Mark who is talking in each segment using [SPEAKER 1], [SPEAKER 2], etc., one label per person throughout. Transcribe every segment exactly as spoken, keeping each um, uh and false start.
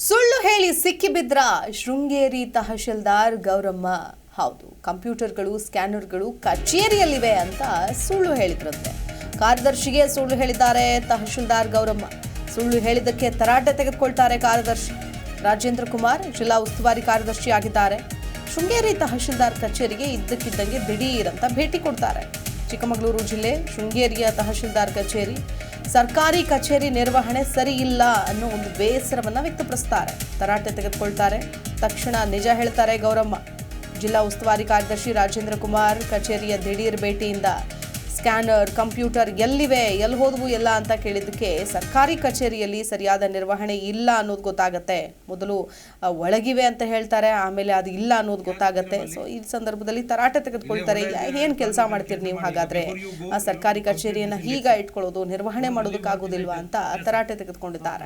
[SPEAKER 1] ಸುಳ್ಳು ಹೇಳಿ ಸಿಕ್ಕಿಬಿದ್ರ ಶೃಂಗೇರಿ ತಹಶೀಲ್ದಾರ್ ಗೌರಮ್ಮ. ಹೌದು, ಕಂಪ್ಯೂಟರ್ಗಳು ಸ್ಕ್ಯಾನರ್ಗಳು ಕಚೇರಿಯಲ್ಲಿವೆ ಅಂತ ಸುಳ್ಳು ಹೇಳಿದ್ರಂತೆ. ಕಾರ್ಯದರ್ಶಿಗೆ ಸುಳ್ಳು ಹೇಳಿದ್ದಾರೆ ತಹಶೀಲ್ದಾರ್ ಗೌರಮ್ಮ. ಸುಳ್ಳು ಹೇಳಿದ್ದಕ್ಕೆ ತರಾಟೆ ತೆಗೆದುಕೊಳ್ತಾರೆ ಕಾರ್ಯದರ್ಶಿ. ರಾಜೇಂದ್ರ ಕುಮಾರ್ ಜಿಲ್ಲಾ ಉಸ್ತುವಾರಿ ಕಾರ್ಯದರ್ಶಿ ಆಗಿದ್ದಾರೆ. ಶೃಂಗೇರಿ ತಹಶೀಲ್ದಾರ್ ಕಚೇರಿಗೆ ಇದ್ದಕ್ಕಿದ್ದಂಗೆ ದಿಢೀರ್ ಅಂತ ಭೇಟಿ ಕೊಡ್ತಾರೆ. ಚಿಕ್ಕಮಗಳೂರು ಜಿಲ್ಲೆ ಶೃಂಗೇರಿಯ ತಹಶೀಲ್ದಾರ್ ಕಚೇರಿ ಸರ್ಕಾರಿ ಕಚೇರಿ ನಿರ್ವಹಣೆ ಸರಿ ಇಲ್ಲ ಅನ್ನೋ ಒಂದು ಬೇಸರವನ್ನ ವ್ಯಕ್ತಪಡಿಸ್ತಾರೆ. ತರಾಟೆ ತೆಗೆದುಕೊಳ್ತಾರೆ. ತಕ್ಷಣ ನಿಜ ಹೇಳ್ತಾರೆ ಗೌರಮ್ಮ. ಜಿಲ್ಲಾ ಉಸ್ತುವಾರಿ ಕಾರ್ಯದರ್ಶಿ ರಾಜೇಂದ್ರ ಕುಮಾರ್ ಕಚೇರಿಯ ದಿಢೀರ್ ಭೇಟಿಯಿಂದ ಸ್ಕ್ಯಾನರ್ ಕಂಪ್ಯೂಟರ್ ಎಲ್ಲಿವೆ, ಎಲ್ಲಿ ಹೋದವು ಎಲ್ಲ ಅಂತ ಕೇಳಿದ್ದಕ್ಕೆ ಸರ್ಕಾರಿ ಕಚೇರಿಯಲ್ಲಿ ಸರಿಯಾದ ನಿರ್ವಹಣೆ ಇಲ್ಲ ಅನ್ನೋದು ಗೊತ್ತಾಗತ್ತೆ. ಮೊದಲು ಒಳಗಿವೆ ಅಂತ ಹೇಳ್ತಾರೆ, ಆಮೇಲೆ ಅದು ಇಲ್ಲ ಅನ್ನೋದು ಗೊತ್ತಾಗತ್ತೆ. ಸೊ ಈ ಸಂದರ್ಭದಲ್ಲಿ ತರಾಟೆ ತೆಗೆದುಕೊಳ್ತಾರೆ. ಏನು ಕೆಲಸ ಮಾಡ್ತೀರಿ ನೀವು, ಹಾಗಾದ್ರೆ ಆ ಸರ್ಕಾರಿ ಕಚೇರಿಯನ್ನ ಹೀಗ ಇಟ್ಕೊಳ್ಳೋದು, ನಿರ್ವಹಣೆ ಮಾಡೋದಕ್ಕಾಗೋದಿಲ್ವಾ ಅಂತ ತರಾಟೆ ತೆಗೆದುಕೊಂಡಿದ್ದಾರೆ.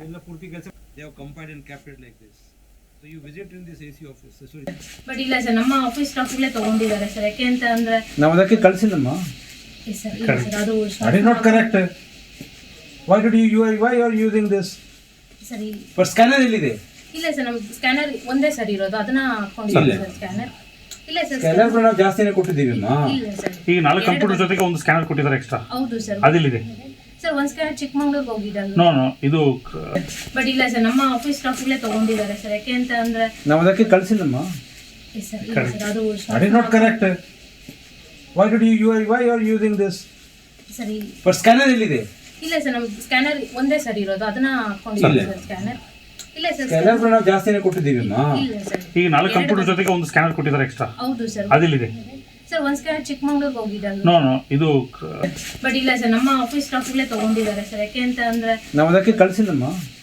[SPEAKER 2] So you visit in this A C office. Sorry.
[SPEAKER 3] But ಇಲ್ಲ ಸರ್, ನಮ್ಮ ಆಫೀಸ್ ಸ್ಟಾಫ್ಗಳೇ ತಗೊಂಡಿದ್ದಾರೆ ಸರ್. ಯಾಕೆ ಅಂತ ಅಂದ್ರೆ
[SPEAKER 4] ನಾವು ಅದಕ್ಕೆ ಕಳಿಸಿಲ್ಲಮ್ಮ.
[SPEAKER 3] ಸರ್ ಇಲ್ಲ ಸರ್, ಅದು
[SPEAKER 4] that is not correct. Why did you you are why you are using this?
[SPEAKER 3] ಸರಿ.
[SPEAKER 4] But scanner ಎಲ್ಲಿದೆ?
[SPEAKER 3] ಇಲ್ಲ ಸರ್, ನಮ್ಮ ಸ್ಕ್ಯಾನರ್ ಒಂದೇ ಸರ್ ಇರೋದು, ಅದನ್ನ ಹಾಕೊಂಡಿದ್ದೀವಿ ಸರ್. ಸ್ಕ್ಯಾನರ್ ಇಲ್ಲ ಸರ್,
[SPEAKER 4] ಸ್ಕ್ಯಾನರ್ ನಾವು ಜಾಸ್ತಿನೇ ಕೊಟ್ಟಿದ್ದೀವಿ ಅಮ್ಮ.
[SPEAKER 3] ಇಲ್ಲ ಸರ್,
[SPEAKER 2] ಈಗ ನಾಲ್ಕು ಕಂಪ್ಯೂಟರ್ ಜೊತೆಗೆ ಒಂದು ಸ್ಕ್ಯಾನರ್ ಕೊಟ್ಟಿದ್ದಾರೆ ಎಕ್ಸ್ಟ್ರಾ.
[SPEAKER 3] ಹೌದು ಸರ್.
[SPEAKER 2] ಅದಿಲ್ಲಿದೆ
[SPEAKER 3] ಸರ್, ಒಂದು ಸ್ಕ್ಯಾನರ್ ಚಿಕ್ಕಮಂಗ್ಳೂರಿಗೆ ಹೋಗಿದ್ದಾರೆ.
[SPEAKER 2] ನೋ ನೋ ಇದು
[SPEAKER 3] ಬಟ್ ಇಲ್ಲ ಸರ್, ನಮ್ಮ ಆಫೀಸ್ ಸ್ಟಾಫ್ಗಳೇ ತಗೊಂಡಿದ್ದಾರೆ ಸರ್. ಯಾಕೆ ಅಂತ ಅಂದ್ರೆ
[SPEAKER 4] ನಾವು ಅದಕ್ಕೆ ಕಳಿಸಿಲ್ಲಮ್ಮ.
[SPEAKER 3] ಸರ್ ಇಲ್ಲ ಸರ್, ಅದು
[SPEAKER 4] that is not correct. Why did you you are why you are using this?
[SPEAKER 3] ಸರಿ.
[SPEAKER 4] But scanner ಎಲ್ಲಿದೆ?
[SPEAKER 3] ಇಲ್ಲ ಸರ್, ನಮ್ಮ ಸ್ಕ್ಯಾನರ್ ಒಂದೇ ಸರ್ ಇರೋದು, ಅದನ್ನ ಹಾಕೊಂಡಿದ್ದೀವಿ ಸರ್. ಸ್ಕ್ಯಾನರ್ ಇಲ್ಲ ಸರ್,
[SPEAKER 4] ಸ್ಕ್ಯಾನರ್ ನಾವು ಜಾಸ್ತಿನೇ ಕೊಟ್ಟಿದ್ದೀವಿ ಅಮ್ಮ.
[SPEAKER 3] ಇಲ್ಲ ಸರ್,
[SPEAKER 2] ಈಗ ನಾಲ್ಕು ಕಂಪ್ಯೂಟರ್ ಜೊತೆಗೆ ಒಂದು ಸ್ಕ್ಯಾನರ್ ಕೊಟ್ಟಿದ್ದಾರೆ ಎಕ್ಸ್ಟ್ರಾ.
[SPEAKER 3] ಹೌದು ಸರ್.
[SPEAKER 2] ಅದಿಲ್ಲಿದೆ
[SPEAKER 3] ಸರ್, ಒಂದು ಸ್ಕ್ಯಾನರ್ ಚಿಕ್ಕಮಂಗ್ಳೂರಿಗೆ ಹೋಗಿದ್ದಾರೆ.
[SPEAKER 2] ನೋ ನೋ ಇದು
[SPEAKER 3] ಬಟ್ ಇಲ್ಲ ಸರ್, ನಮ್ಮ ಆಫೀಸ್ ಸ್ಟಾಫ್ಗಳೇ ತಗೊಂಡಿದ್ದಾರೆ ಸರ್. ಯಾಕೆ ಅಂತ ಅಂದ್ರೆ
[SPEAKER 4] ನಾವು ಅದಕ್ಕೆ ಕಳಿಸಿಲ್ಲಮ್ಮ.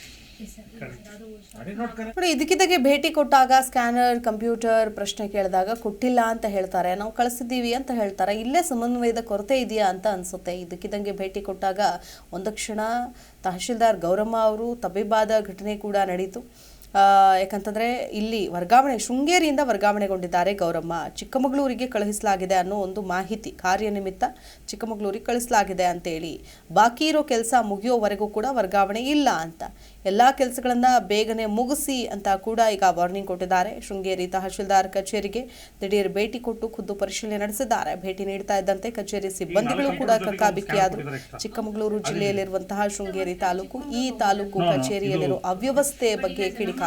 [SPEAKER 1] ನೋಡಿ, ಇದಕ್ಕಿದ್ದಾಗೆ ಭೇಟಿ ಕೊಟ್ಟಾಗ ಸ್ಕ್ಯಾನರ್ ಕಂಪ್ಯೂಟರ್ ಪ್ರಶ್ನೆ ಕೇಳಿದಾಗ ಕೊಟ್ಟಿಲ್ಲ ಅಂತ ಹೇಳ್ತಾರೆ, ನಾವು ಕಳಿಸಿದ್ದೀವಿ ಅಂತ ಹೇಳ್ತಾರೆ. ಇಲ್ಲೇ ಸಮನ್ವಯದ ಕೊರತೆ ಇದೆಯಾ ಅಂತ ಅನ್ಸುತ್ತೆ. ಇದಕ್ಕಿದ್ದಂಗೆ ಭೇಟಿ ಕೊಟ್ಟಾಗ ಒಂದು ಕ್ಷಣ ತಹಶೀಲ್ದಾರ್ ಗೌರಮ್ಮ ಅವರು ತಬ್ಬಿಬ್ಬಾದ ಘಟನೆ ಕೂಡ ನಡೀತು. ಯಾಕಂತಂದರೆ ಇಲ್ಲಿ ವರ್ಗಾವಣೆ ಶೃಂಗೇರಿಯಿಂದ ವರ್ಗಾವಣೆಗೊಂಡಿದ್ದಾರೆ ಗೌರಮ್ಮ. ಚಿಕ್ಕಮಗಳೂರಿಗೆ ಕಳುಹಿಸಲಾಗಿದೆ ಅನ್ನೋ ಒಂದು ಮಾಹಿತಿ, ಕಾರ್ಯನಿಮಿತ್ತ ಚಿಕ್ಕಮಗಳೂರಿಗೆ ಕಳಿಸಲಾಗಿದೆ ಅಂತೇಳಿ. ಬಾಕಿ ಇರೋ ಕೆಲಸ ಮುಗಿಯೋವರೆಗೂ ಕೂಡ ವರ್ಗಾವಣೆ ಇಲ್ಲ ಅಂತ, ಎಲ್ಲ ಕೆಲಸಗಳನ್ನು ಬೇಗನೆ ಮುಗಿಸಿ ಅಂತ ಕೂಡ ಈಗ ವಾರ್ನಿಂಗ್ ಕೊಟ್ಟಿದ್ದಾರೆ. ಶೃಂಗೇರಿ ತಹಶೀಲ್ದಾರ್ ಕಚೇರಿಗೆ ದಿಢೀರ್ ಭೇಟಿ ಕೊಟ್ಟು ಖುದ್ದು ಪರಿಶೀಲನೆ ನಡೆಸಿದ್ದಾರೆ. ಭೇಟಿ ನೀಡ್ತಾ ಇದ್ದಂತೆ ಕಚೇರಿ ಸಿಬ್ಬಂದಿಗಳು ಕೂಡ ಕಕ್ಕಾಬಿಕ್ಕಿಯಾದರು. ಚಿಕ್ಕಮಗಳೂರು ಜಿಲ್ಲೆಯಲ್ಲಿರುವಂತಹ ಶೃಂಗೇರಿ ತಾಲೂಕು, ಈ ತಾಲೂಕು ಕಚೇರಿಯಲ್ಲಿರೋ ಅವ್ಯವಸ್ಥೆ ಬಗ್ಗೆ ಕಿಡಿಕಾರಿದ್ರು.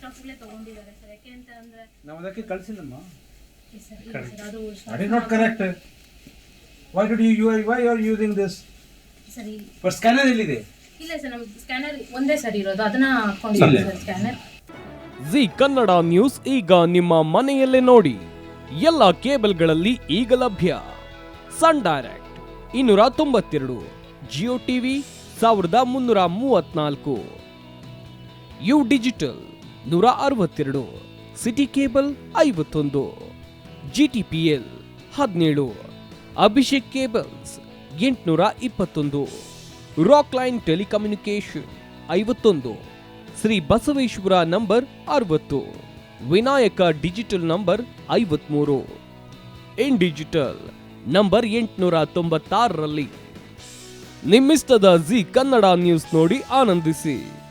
[SPEAKER 4] ನಾವು ಅದಕ್ಕೆ ಕಳಿಸಿಲ್ಲಮ್ಮ. that is not correct. Why did you you are why you are using this?
[SPEAKER 3] ಸರಿ.
[SPEAKER 4] But scanner ಎಲ್ಲಿದೆ?
[SPEAKER 3] ಇಲ್ಲ ಸರ್, ನಮ್ಮ ಸ್ಕ್ಯಾನರ್ ಒಂದೇ ಸರ್ ಇರೋದು, ಅದನ್ನ ಹಾಕೊಂಡಿದ್ದೀವಿ sir. Scanner
[SPEAKER 5] Zee Kannada news ಈಗ ನಿಮ್ಮ ಮನೆಯಲ್ಲೇ ನೋಡಿ. ಎಲ್ಲ ಕೇಬಲ್ಗಳಲ್ಲಿ ಈಗ ಲಭ್ಯ. ಸನ್ ಡೈರೆಕ್ಟ್ ಇನ್ನೂರ ತೊಂಬತ್ತೆರಡು, ಜಿಯೋ ಟಿವಿ ಸಾವಿರದ ಮುನ್ನೂರ ಮೂವತ್ನಾಲ್ಕು, ಯು ಡಿಜಿಟಲ್ ನೂರ ಅರವತ್ತೆರಡು, ಸಿಟಿ ಕೇಬಲ್ ಐವತ್ತೊಂದು, ಜಿ ಟಿ ಪಿ ಎಲ್ ಹದಿನೇಳು, ಅಭಿಷೇಕ್ ಕೇಬಲ್ಸ್ ಎಂಟುನೂರ ಇಪ್ಪತ್ತೊಂದು, ರಾಕ್ ಲೈನ್ ಟೆಲಿಕಮ್ಯುನಿಕೇಶನ್ ಐವತ್ತೊಂದು, ಶ್ರೀ ಬಸವೇಶ್ವರ ನಂಬರ್ ಅರವತ್ತು, ವಿನಾಯಕ ಡಿಜಿಟಲ್ ನಂಬರ್ ಐವತ್ಮೂರು, ಇನ್ ಡಿಜಿಟಲ್ ನಂಬರ್ ಎಂಟುನೂರ ತೊಂಬತ್ತಾರರಲ್ಲಿ. ನಿಮ್ಮಿಸ್ತದ ಜಿ ಕನ್ನಡ ನ್ಯೂಸ್ ನೋಡಿ ಆನಂದಿಸಿ.